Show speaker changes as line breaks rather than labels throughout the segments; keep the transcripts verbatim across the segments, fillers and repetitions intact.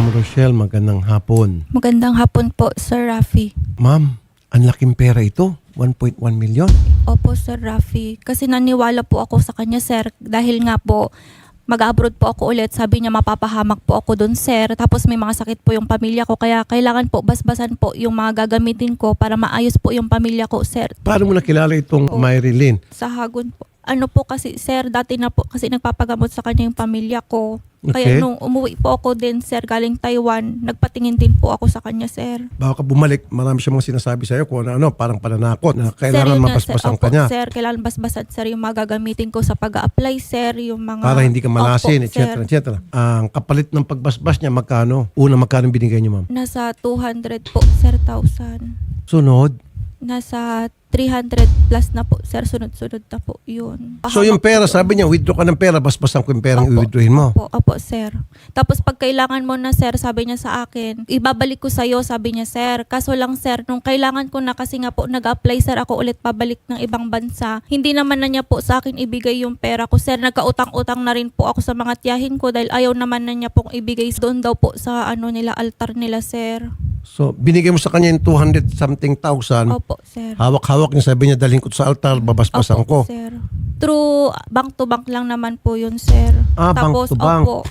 Ma'am Rochelle, magandang hapon.
Magandang hapon po, Sir Rafi.
Ma'am, ang laking pera ito. one point one million.
Opo, Sir Rafi. Kasi naniwala po ako sa kanya, sir. Dahil nga po, mag-abroad po ako ulit. Sabi niya mapapahamak po ako doon, sir. Tapos may mga sakit po yung pamilya ko. Kaya kailangan po basbasan po yung mga gagamitin ko para maayos po yung pamilya ko, sir.
Paano mo nakilala itong
Po.
Marilyn?
Sa Hagon po. Ano po kasi, sir, dati na po kasi nagpapagamot sa kanya yung pamilya ko.
Okay.
Kaya nung umuwi po ako din, sir, galing Taiwan, nagpatingin din po ako sa kanya, sir.
Baka ka bumalik, marami siya mga sinasabi sa'yo kung ano, ano parang pananakot na
Sir,
kailangan
yun nga,
mabasbasan
sir.
ka
Opo,
niya
sir, kailangan basbasan, sir, yung mga gagamitin ko sa pag-a-apply, sir, yung mga...
para hindi ka malasin,
Opo,
et cetera,
sir.
et cetera. Ang kapalit ng pagbasbas niya, magkano? Una, magkano binigay niyo, ma'am?
Nasa two hundred po, sir, thousand.
Sunod.
Nasa three hundred plus na po, sir, sunod-sunod na po yun.
So yung
Pahamak
pera,
po yun.
sabi niya, withdraw ka ng pera, basbasan ko yung perang
Opo.
i-withdrawin mo.
Opo, opo, sir. Tapos pag kailangan mo na, sir, sabi niya sa akin, ibabalik ko sa'yo, sabi niya, sir. Kaso lang, sir, nung kailangan ko na kasi nga po nag-apply, sir, ako ulit pabalik ng ibang bansa, hindi naman na niya po sa akin ibigay yung pera ko, sir. Nagkautang-utang na rin po ako sa mga tiyahin ko dahil ayaw naman na niya pong ibigay doon daw po sa ano nila, altar nila, sir.
So binigay mo sa kanya yung two hundred something thousand.
Opo, sir.
Hawak-hawak niya, sabi niya, dalhin ko to sa altar, babasbasan ko.
Opo, sir. True, bank to bank lang naman po yun, sir.
Ah, bank
Tapos,
to bank.
Opo,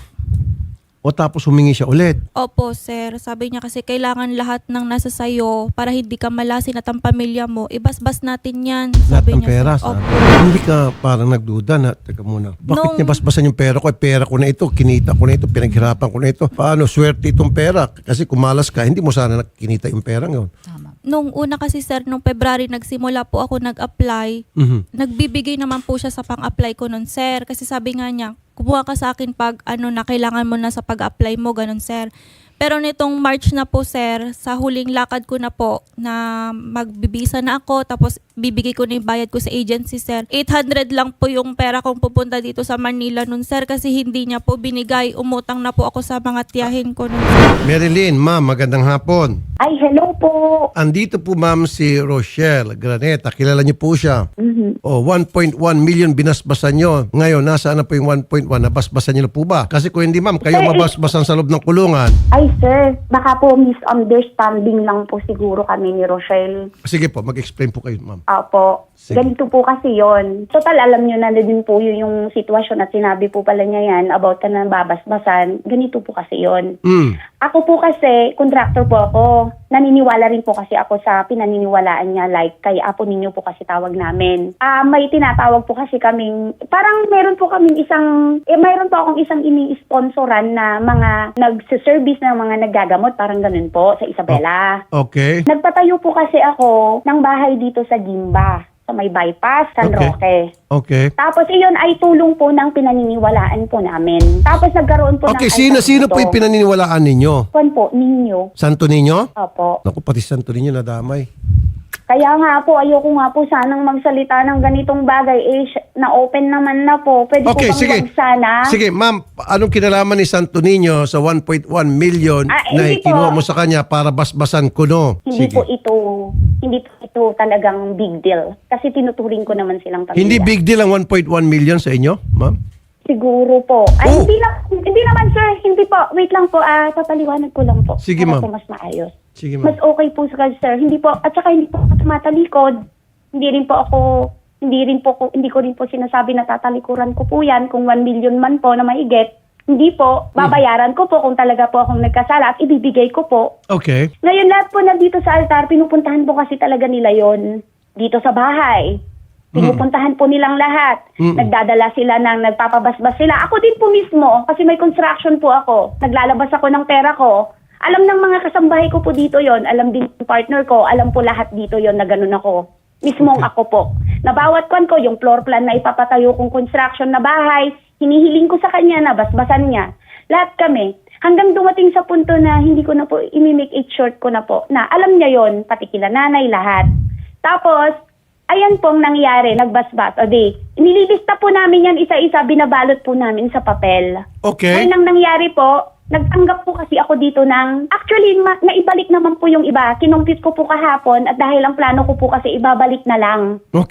O tapos humingi siya ulit.
opo, sir. Sabi niya kasi kailangan lahat ng nasa sayo para hindi ka malasin at ang pamilya mo. Ibasbas natin yan.
Lahat
Sabi
ng
niya,
pera.
sir.
Sabi.
Opo.
Hindi ka parang nagduda na, teka muna, bakit
Nung-
niya basbasan yung pera ko? Eh, pera ko na ito, kinita ko na ito, pinaghirapan ko na ito. Paano, swerte itong pera? Kasi kumalas ka, hindi mo sana kinita yung pera ngayon.
Nung una kasi, sir, nung February, nagsimula po ako nag-apply.
Mhm.
Nagbibigay naman po siya sa pang-apply ko nun, sir. Kasi sabi nga niya, kumuha ka sa akin pag ano na kailangan mo na sa pag-apply mo, ganun, sir. Pero nitong March na po, sir, sa huling lakad ko na po na magbibisa na ako, tapos bibigay ko na yung bayad ko sa agency, sir. eight hundred lang po yung pera kong pupunta dito sa Manila nun, sir, kasi hindi niya po binigay. Umutang na po ako sa mga tiyahin ko nun, sir.
Marilyn, ma'am, magandang hapon.
Ay, hello po.
Andito po ma'am si Rochelle Graneta. Kilala niyo po siya.
Mhm.
O, one point one million binasbasan niyo. Ngayon, nasaan na po yung one point one? Nabasbasan niyo na po ba? Kasi kung hindi ma'am, kayo
Sir,
mabasbasan sa loob ng kulungan.
Ay, sir, baka po misunderstanding lang po siguro kami ni Rochelle.
Sige po, mag-explain po kayo ma'am.
Apo,
Sige.
ganito po kasi yon. Total, alam nyo na din po yun yung sitwasyon at sinabi po pala niya yan about ka na babasbasan. Ganito po kasi yon.
Mm.
Ako po kasi, contractor po ako. Naniniwala rin po kasi ako sa pinaniniwalaan niya, like kay Apo Ninyo po kasi tawag namin. Ah, may tinatawag po kasi kaming, parang meron po kaming isang, eh mayroon po akong isang ini-sponsoran na mga nagsiservice ng mga naggagamot, parang ganun po, sa Isabela.
Okay.
Nagpatayo po kasi ako ng bahay dito sa Gimba, sa may bypass, San
Okay.
Roque.
Okay.
Tapos iyon ay tulong po ng pinaniniwalaan po namin. Tapos nagkaroon po
Okay,
ng...
sino-sino po yung pinaniniwalaan ninyo?
Kwan po, ninyo.
Santo Niño?
Opo.
Naku, pati Santo Niño nadamay.
Kaya nga po, ayoko nga po sanang magsalita ng ganitong bagay. Eh, sh- na-open naman na po. Pwede
Okay,
po bang
sige.
wag sana?
Sige, ma'am, anong kinalaman ni Santo Niño sa one point one million
Ah,
na
hindi
ikinuha
po.
mo sa kanya para basbasan ko, no?
Hindi
Sige.
po ito, hindi po ito talagang big deal. Kasi tinuturing ko naman silang pamilya.
Hindi big deal ang one point one million sa inyo, ma'am?
Siguro po. Ay,
Oh.
hindi lang, hindi naman sir, hindi po. Wait lang po, ah, papaliwanag ko lang po.
Sige,
Para
ma'am.
po mas maayos.
Sige,
Mas
ma'am.
okay po sa sir. Hindi po, at saka hindi po ako tumatalikod. Hindi rin po ako, hindi rin po, ko- hindi ko rin po sinasabi na tatalikuran ko po yan kung one million man po na maigit. Hindi po, babayaran ko po kung talaga po akong nagkasala at ibibigay ko po.
Okay.
Ngayon lahat po nandito sa altar, pinupuntahan po kasi talaga nila yon dito sa bahay. Pinupuntahan po nilang lahat.
Mm.
Nagdadala sila ng nagpapabasbas sila. Ako din po mismo, kasi may construction po ako. Naglalabas ako ng pera ko. Alam ng mga kasambahay ko po dito yon, alam din ng partner ko, alam po lahat dito yon na ganun ako. Mismong
Okay.
ako po. Na bawat kwan ko, yung floor plan na ipapatayo kong construction na bahay, hinihiling ko sa kanya na basbasan niya. Lahat kami. Hanggang dumating sa punto na hindi ko na po, imi-make it short ko na po, na alam niya yon, pati kila nanay, lahat. Tapos, ayan pong nangyari, nagbasbas. O di, nililista po namin yan isa-isa, binabalot po namin sa papel.
Okay.
Ngayon ang nangyari po, nagtanggap po kasi ako dito ng, actually, ma- naibalik naman po yung iba. Kinumpit ko po kahapon at dahil ang plano ko po kasi ibabalik na lang.
Okay.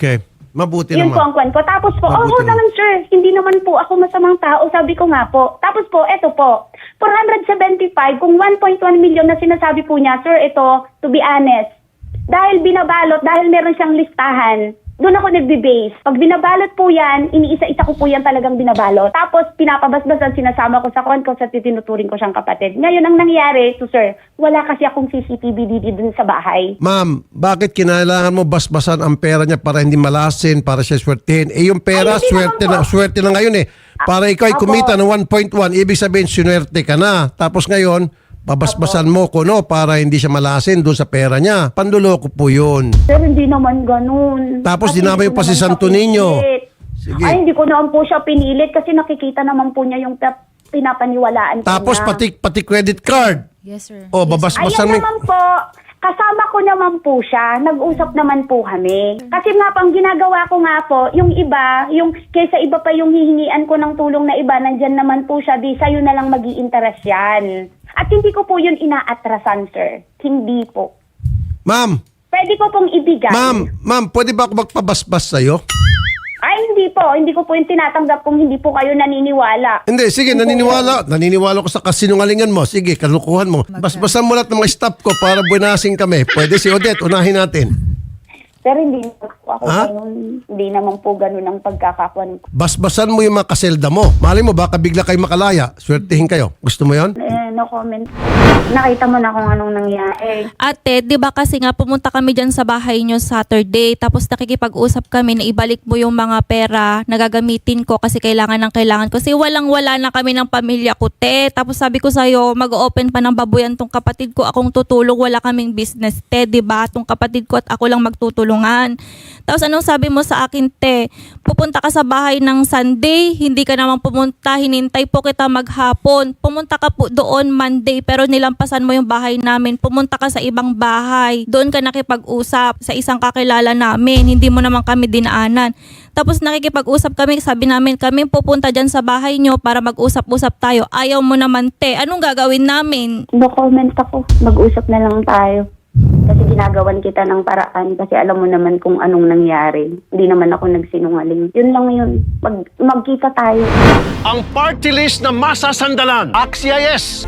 Mabuti
Yun
naman.
po ang kwan ko. Tapos po,
Mabuti
oo
naman.
naman sir, hindi naman po ako masamang tao, sabi ko nga po. Tapos po, eto po, four hundred seventy-five, kung one point one million na sinasabi po niya, sir, ito, to be honest, dahil binabalot, dahil meron siyang listahan, doon ako nagbe-base. Pag binabalot po yan, iniisa-isa ko po yan talagang binabalot. Tapos pinapabasbasan, sinasama ko sa kwan ko, sa tinuturing ko siyang kapatid. Ngayon, ang nangyari, to sir, wala kasi akong C C T V dito dun sa bahay.
Ma'am, bakit kinailangan mo basbasan ang pera niya para hindi malasin, para siya swertehin? Eh yung pera,
Ay, hindi
swerte
naman
na,
po.
swerte na ngayon eh. Para ikaw ay
Opo.
kumita ng one point one, ibig sabihin swerte ka na. Tapos ngayon, babasbasan mo ko no para hindi siya malasin doon sa pera niya. Panduloko po yun.
Sir, hindi naman ganun.
Tapos
Kasi
dinamay
hindi
pa
ko
si
naman siya
Santo Niño.
pinilit.
Sige.
Ay, hindi ko naman po siya pinilit kasi nakikita naman po niya yung pap- pinapaniwalaan ko
Tapos
niya.
pati pati credit card.
Yes, sir.
O babasbasan
Ayan
mo.
naman po, kasama ko naman po siya, nag-usap naman po kami. Kasi nga pang ginagawa ko nga po, yung iba, yung kaysa iba pa yung hihingian ko ng tulong na iba, nandyan naman po siya, di sa'yo na lang mag-i-interest yan. At hindi ko po yun inaatrasan, sir. Hindi po.
Ma'am,
Pwede ko pong ibigay.
ma'am, ma'am, pwede ba ako magpabasbas sa'yo?
Ay, hindi po. Hindi ko po yung tinatanggap kung hindi po kayo naniniwala.
Hindi, sige, naniniwala. Naniniwala ko sa kasinungalingan mo. Sige, kalukuhan mo. Basbasan mo lahat ng mga staff ko para buenasing kami. Pwede si Odette, unahin natin.
Pero hindi naman po ako
Ha?
ganun. Hindi naman po ganun ang pagkakakuan ko.
Basbasan mo yung mga kaselda mo. Mali mo, baka bigla kayo makalaya. Swertihin kayo. Gusto mo yon?
Eh, no comment. Nakita mo na kung anong nangyari.
Ate, di ba kasi nga pumunta kami dyan sa bahay nyo Saturday, tapos nakikipag-usap kami na ibalik mo yung mga pera na gagamitin ko kasi kailangan ng kailangan ko. Kasi walang-wala na kami ng pamilya ko, te. Tapos sabi ko sa'yo, mag-open pa ng babuyan tong kapatid ko, akong tutulong, wala kaming business, te, di ba? Tong kapatid ko at ako lang magtutulungan. Tapos anong sabi mo sa akin, te? Pupunta ka sa bahay ng Sunday, hindi ka naman pumunta, hinintay po kita maghapon. Pumunta ka po doon Monday, pero nilampasan mo yung bahay namin. Pumunta ka sa ibang bahay. Doon ka nakipag-usap sa isang kakilala namin. Hindi mo naman kami dinaanan. Tapos nakikipag-usap kami, sabi namin, kami pupunta dyan sa bahay nyo para mag-usap-usap tayo. Ayaw mo naman, te. Anong gagawin namin?
No comment ako. Mag-usap na lang tayo. Kasi ginagawan kita ng paraan kasi alam mo naman kung anong nangyari. Hindi naman ako nagsinungaling. Yun lang yun. Mag magkita tayo.
Ang party list na masasandalan. Axia yes.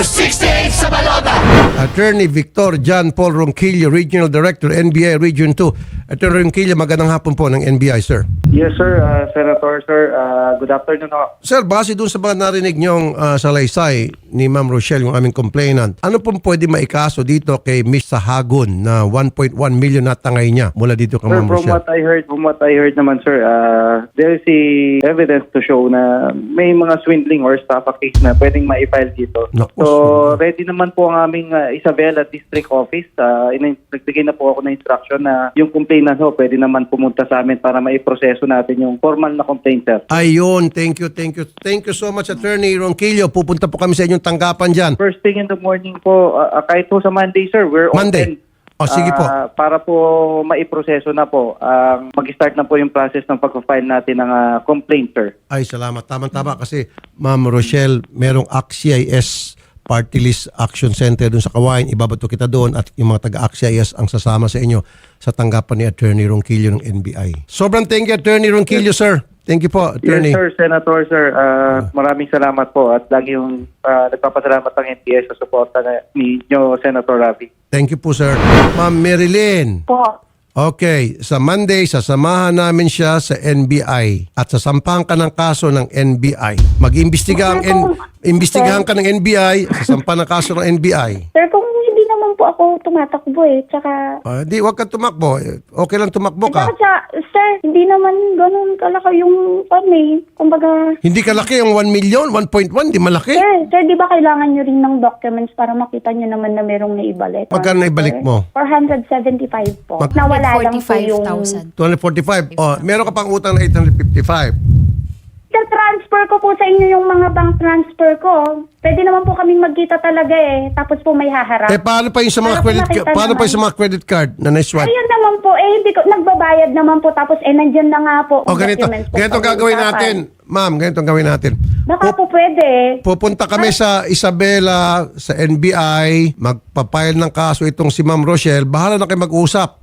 Attorney Victor John Paul Ronquillo, Regional Director, N B I Region two. Attorney Ronquillo, magandang hapon po ng N B I, sir.
Yes, sir. Uh, Senator, sir. Uh, good afternoon. ho.
Sir, base dun sa mga narinig niyong uh, salaysay ni Ma'am Rochelle, yung aming complainant, ano pong pwede maikaso dito kay Miss Sahagun na one point one million na tangay niya mula dito kay
Sir,
Ma'am
from
Rochelle?
what I heard, from what I heard naman, sir, uh, there is a evidence to show na may mga swindling or estafa case na pwedeng ma-file dito.
Naku,
So,
swindling.
ready naman po ang aming uh, Isabela District Office. Uh, in- nagbigay na po ako ng instruction na yung complainant ho, pwede naman pumunta sa amin para maiproseso natin yung formal na complaint, sir.
Ayun, thank you, thank you. Thank you so much, Attorney Ronquillo. Pupunta po kami sa inyong tanggapan dyan.
First thing in the morning po, uh, uh, kahit po sa Monday, sir, we're
Monday.
open.
O, sige po.
Ah, para po maiproseso na po, ang mag-start na po yung process ng pag-file natin ng ah, complaint, sir.
Ay, salamat. Tama-tama kasi Ma'am Rochelle, merong A C C I S Party List Action Center doon sa Kawain. Ibabato kita doon at yung mga taga-A C C I S ang sasama sa inyo sa tanggapan ni Attorney Ronquillo ng N B I. Sobrang thank you, Attorney Ronquillo, sir. Thank you po, Attorney.
Yes, sir, Senator, sir. Ah, maraming salamat po at lagi yung ah, nagpapasalamat ng N P S sa suporta na ninyo, Senator Ravi.
Thank you po, sir. Ma'am Marilyn.
Po.
Okay, sa Monday, sasamahan namin siya sa N B I at sasampahan ka ng kaso ng N B I. Mag-imbestiga ang N- imbestigahan ka ng N B I, sasampahan ng kaso ng N B I.
Sir, kung hindi naman po ako tumatakbo eh. Tsaka,
Ah, di, wag kang tumakbo. Okay lang tumakbo ka.
tsaka, tsaka, sir, hindi naman ganun kalaki yung kami. Kumbaga,
Hindi ka laki yung one million, one point one, di malaki.
sir, sir, di ba kailangan nyo rin ng documents para makita nyo naman na merong naibalik?
Magkano naibalik mo?
four hundred seventy-five po.
Mag-
Nawala lang po yung...
forty-five thousand.
two hundred forty-five. Oh, meron ka pang utang na eight hundred fifty-five.
Sir, transfer ko po sa inyo yung mga bank transfer ko. Pwede naman po kaming magkita talaga eh. Tapos po may haharap.
Eh, paano pa yung sa mga
Para po
credit
makita
ca- paano pa
naman.
yung sa mga credit card na na-swipe?
Ayun naman po, eh hindi ko, nagbabayad naman po. Tapos eh, nandyan na nga po.
O
ang
ganito,
documents po
ganito
sa
gagawin
usapan.
natin. Ma'am, ganito ang gawin natin.
Baka
Pup-
po pwede.
Pupunta kami sa Isabela, sa N B I, magpapile ng kaso itong si Ma'am Rochelle. Bahala na kayo mag-usap.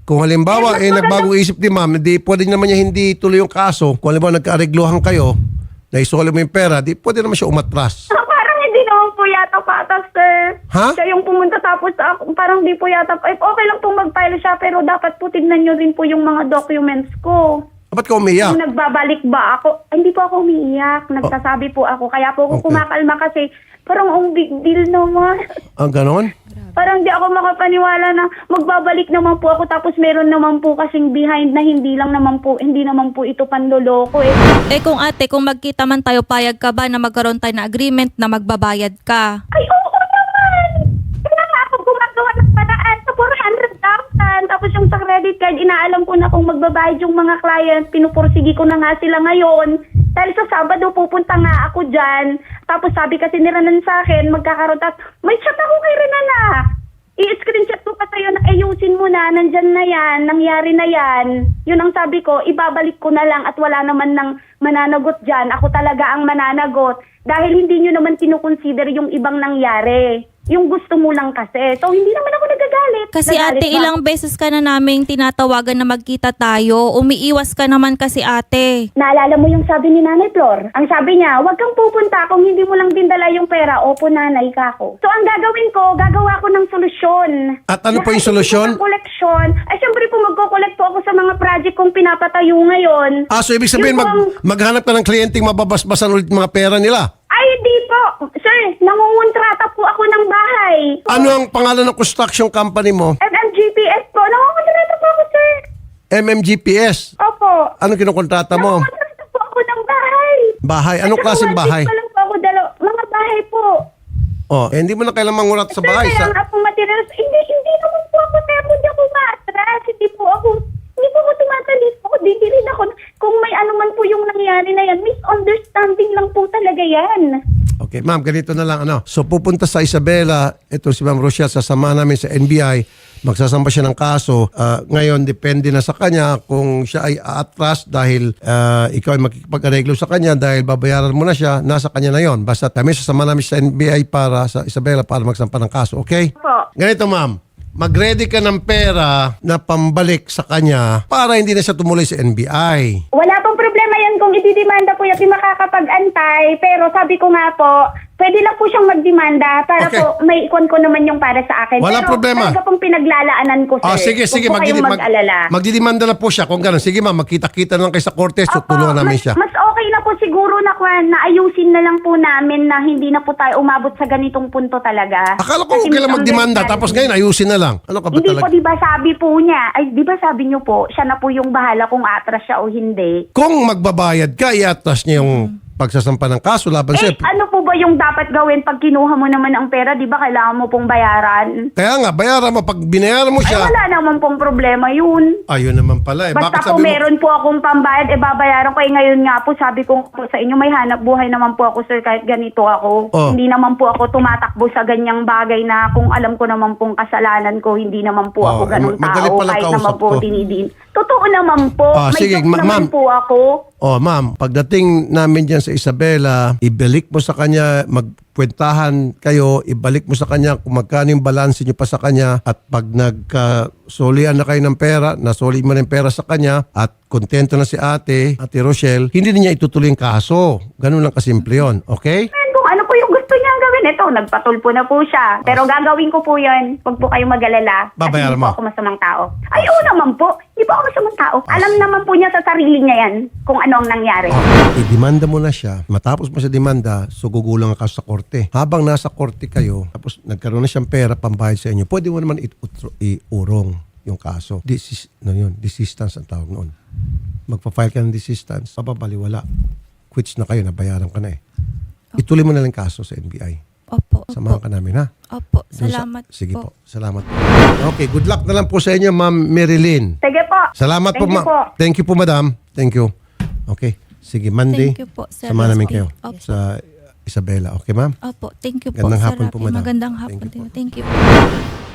Kung halimbawa,
Eh,
eh,
mas
nagbagong isip ni ma'am, di pwede naman niya hindi tuloy yung kaso. Kung halimbawa nagkaareglohan kayo, na isole mo yung pera, di pwede naman siya umatras.
Ah, parang hindi naman po yata patas, sir.
Ha?
Siya yung pumunta tapos ako, parang di po yata, eh, okay lang po mag-file siya, pero dapat po tignan nyo rin po yung mga documents ko.
Ba't ka umiyak?
Kung nagbabalik ba ako, ay, hindi po ako umiiyak. Nagsasabi po ako. Kaya po ako
Okay.
kumakalma kasi parang ang big deal naman.
Ang ganon?
Parang di ako makapaniwala na magbabalik naman po ako tapos meron naman po kasing behind na hindi lang naman po, hindi naman po ito panloloko eh.
Eh kung ate, kung magkita man tayo, payag ka ba na magkaroon tayo ng agreement na magbabayad ka?
Ay, oo naman! Kaya nga ako gumagawa ng paraan sa four hundred thousand. Tapos yung sa credit card, inaalam ko na kung magbabayad yung mga client. Pinupursigi ko na nga sila ngayon. Dahil sa Sabado, pupunta nga ako dyan. Tapos sabi kasi ni Renan sa akin, magkakaroon. Tapos may chat ako kay Renan na. I-screenshot ko pa sa'yo na ayusin mo na, nandyan na yan, nangyari na yan. Yun ang sabi ko, ibabalik ko na lang at wala naman nang mananagot dyan. Ako talaga ang mananagot. Dahil hindi nyo naman kinukonsider yung ibang nangyari. Yung gusto mo lang kasi. So, hindi naman ako nagagalit.
Kasi
Nagalit
ate,
ba?
ilang beses ka na naming tinatawagan na magkita tayo. Umiiwas ka naman kasi ate.
Naalala mo yung sabi ni Nanay Flor? Ang sabi niya, huwag kang pupunta kung hindi mo lang dinala yung pera. Opo, nanay ka ko. So, ang gagawin ko, gagawa ko ng solusyon.
At ano
Na
po yung
kahit
solusyon?
hindi ko koleksyon, ay syempre po magko-collect po ako sa mga project kong pinapatayo ngayon.
Ah, so ibig sabihin,
Yung
mag,
bang-
maghanap ka ng kliyenteng mababasbasan ulit mga pera nila.
Ay, di po. Sir, nangungontrata po ako ng bahay.
Ano ang pangalan ng construction company mo?
M M G P S po. Nangungontrata po ako, sir.
M M G P S.
Opo.
Ano kinukontrata mo?
Nangungontrata po ako ng bahay.
Bahay. Anong
At saka
klaseng
one
bahay?
week pa lang po ako dalaw- mga bahay po.
Oh, eh, hindi mo na kailangan mangurat sa
Sir,
bahay.
kaya
Sa,
nga po materials, hindi, hindi naman po ako, sir, hindi ako maatras, hindi po ako, hindi po ako tumatalis po, di rin ako, kung may ano man po yung nangyari na yan, misunderstanding lang po talaga yan.
okay, ma'am, ganito na lang. Ano? So, pupunta sa Isabela, ito si Ma'am Rochelle, sasama namin sa N B I, magsasamba siya ng kaso. Ah, ngayon, depende na sa kanya kung siya ay aatras dahil ah, ikaw ay makikipag-areglo sa kanya dahil babayaran mo na siya, nasa kanya na yon. Basta kami sasama namin sa N B I para sa Isabela para magsampa ng kaso. Okay?
Po.
Ganito, ma'am. Mag-ready ka ng pera na pambalik sa kanya para hindi na siya tumuloy sa N B I.
Wala pong problema yan kung ididimanda po yung makakapag-antay, pero sabi ko nga po, pwede lang po siyang magdemanda para
Okay.
po may ikon ko naman yung para sa akin.
Walang
pero
problema.
talaga pong pinaglalaanan ko, sir.
Ah, sige,
Huwag
sige.
po kayong
Magdidi-
mag-alala.
mag- magdidemanda na po siya. Kung gano'n, sige ma'am, magkita-kita na lang kayo sa Cortes. So,
Opo,
tulungan namin
mas,
siya.
Mas okay na po siguro na, kwan, na ayusin na lang po namin na hindi na po tayo umabot sa ganitong punto talaga.
Akala ko
Kasi
okay lang magdemanda,
misunderstanding.
tapos ngayon ayusin na lang. Ano ka ba
Hindi
talaga?
po, di ba sabi po niya, ay di ba sabi niyo po, siya na po yung bahala kung atras siya o hindi.
Kung magbabayad ka, i-atras niya yung pagsasampa ng kaso laban
Eh,
sa'yo.
ano po ba yung dapat gawin pag kinuha mo naman ang pera? Di ba kailangan mo pong bayaran?
Kaya nga, bayaran mo. Pag binayaran mo
Ay,
siya,
wala naman pong problema yun.
ayun naman pala eh.
Basta
Bakit
po
sabi mo,
meron po akong pambayad, e babayaran ko. Eh ngayon nga po, sabi ko po sa inyo, may hanap buhay naman po ako, sir, kahit ganito ako.
Oh.
Hindi naman po ako tumatakbo sa ganyang bagay na kung alam ko naman pong kasalanan ko, hindi naman po
Oh,
ako ganong
eh, madali
tao.
pala
Kahit
kausap
naman po
ko.
dinidin. Totoo naman po.
Ah,
may
sige,
joke
ma-
naman
ma'am.
po ako.
oh ma'am, pagdating namin dyan sa Isabela, ibalik mo sa kanya, magkwentahan kayo, ibalik mo sa kanya kung magkano yung balanse nyo pa sa kanya at pag nagkasulian na kayo ng pera, nasuli mo na yung pera sa kanya at kontento na si ate, ate Rochelle, hindi niya itutuloy yung kaso. Ganun lang kasimple yun. Okay?
Ayan, kung ano po yung gusto niyang gawin. Ito, nagpatulpo na po siya. Pero gagawin ko po yun. Huwag po kayong mag-alala. Kasi
Babayaran
hindi po
mo.
ako masamang tao. Ay, oo naman po. Hindi po ako masamang tao. Alam naman po niya sa sarili niya yan kung ano ang nangyari.
I-demanda mo na siya. Matapos mo siya demanda, so gugulang ka sa korte. Habang nasa korte kayo, tapos nagkaroon na siyang pera pambayad sa inyo, pwede mo naman i-utro- iurong yung kaso. This no yun, desistance ang tawag noon. Magpa-file ka ng desistance, papabaliwala. Quits na kayo, nabayaran ka na eh. Ituloy mo na lang kaso sa N B I.
Opo,
Samahan
opo.
ka namin, ha?
Opo,
Doon sa-
salamat
Sige
po.
po. Salamat po. Okay, good luck na lang po sa inyo, Ma'am Marilyn.
Sige po.
Salamat po,
Thank you
ma'am.
po.
Thank you po, madam. Thank you. Okay. Sige, Monday.
Thank you po, Sir
Sama namin
Rusty.
kayo
Opo.
sa Isabela. Okay, ma'am?
Opo, thank you po,
Gandang
Sir
hapon po,
Rafi.
madam.
Magandang
Thank
hapon.
you po.
Thank you.